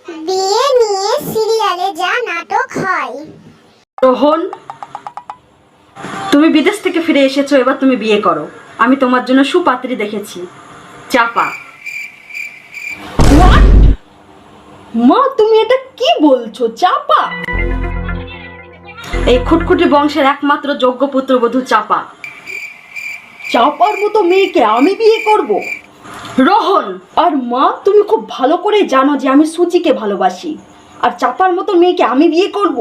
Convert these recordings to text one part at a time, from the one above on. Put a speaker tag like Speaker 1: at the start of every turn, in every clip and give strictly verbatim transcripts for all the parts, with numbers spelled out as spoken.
Speaker 1: বিয়ে নিয়ে সিরিয়ালে যা নাটক হয়।
Speaker 2: রোহন, তুমি বিদেশ থেকে ফিরে এসেছো, এবার তুমি বিয়ে করো। আমি তোমার জন্য সুপাত্রী দেখেছি, চাপা। মা, তুমি এটা কি বলছো? চাপা? এই খুটখুটি বংশের একমাত্র যোগ্য পুত্রবধূ চাপা। চাপার মতো মেয়েকে আমি বিয়ে করব? রোহন, আর মা, তুমি খুব ভালো করে জানো যে আমি সুচিকে ভালোবাসি, আর চাপার মতো মেয়েকে আমি বিয়ে করব?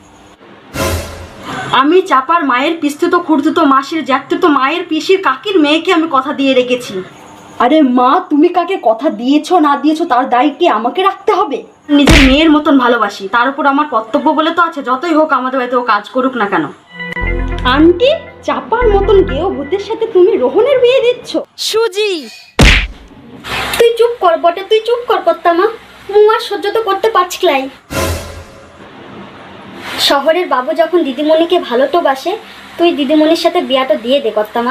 Speaker 2: আমি চাপার মায়ের পিস্তুত খুঁড়তুতো মাসির জ্যাঠতুতো মায়ের পিসির কাকির মেয়েকে আমি কথা দিয়ে রেখেছি। আরে মা, তুমি কাকে কথা দিয়েছো না দিয়েছো তার দায় কি আমাকে রাখতে হবে? নিজের মেয়ের মতন ভালোবাসি, তার উপর আমার কর্তব্য বলে তো আছে। যতই হোক আমাদের বাড়িতে ও কাজ করুক না কেন। আন্টি, চাপার মতন গেও ভূতের সাথে তুমি রোহনের বিয়ে দিচ্ছ? সুজি,
Speaker 3: তুই চুপ কর বটে, তুই চুপ কর কর্তামা। মু আর সহ্য তো করতে পারছি লাই। শহরের বাবু যখন দিদিমণিকে ভালো তো বাসে, তুই দিদিমণির সাথে বিয়াটা দিয়ে দে কর্তামা।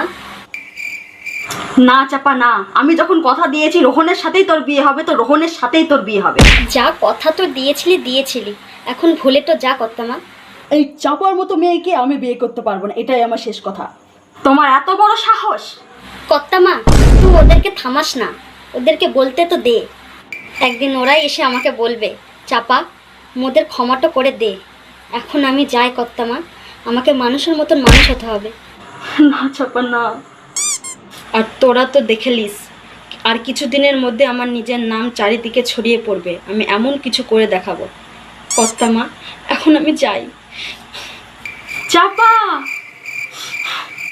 Speaker 2: না চাপা না, আমি যখন কথা দিয়েছি রোহনের সাথেই তোর বিয়ে হবে, তো রোহনের সাথেই তোর বিয়ে হবে।
Speaker 3: যা কথা তো দিয়েছিলি দিয়েছিলি, এখন ভুলে তো যা কর্তামা।
Speaker 2: এই চাপার মতো মেয়েকে আমি বিয়ে করতে পারবো না, এটাই আমার শেষ কথা। তোমার এত বড় সাহস!
Speaker 3: কর্তামা, তুই ওদেরকে থামাস না, ওদেরকে বলতে তো দে। একদিন ওরাই এসে আমাকে বলবে, চাপা মোদের ক্ষমাটা করে দে। এখন আমি যাই কর্তামা, আমাকে মানুষের মতন মানুষ হতে হবে।
Speaker 2: না চাপা না। আর তোরা তো দেখেলিস, আর কিছুদিনের মধ্যে আমার নিজের নাম চারিদিকে ছড়িয়ে পড়বে। আমি এমন কিছু করে দেখাবো। কর্তামা, এখন আমি যাই। চাপা!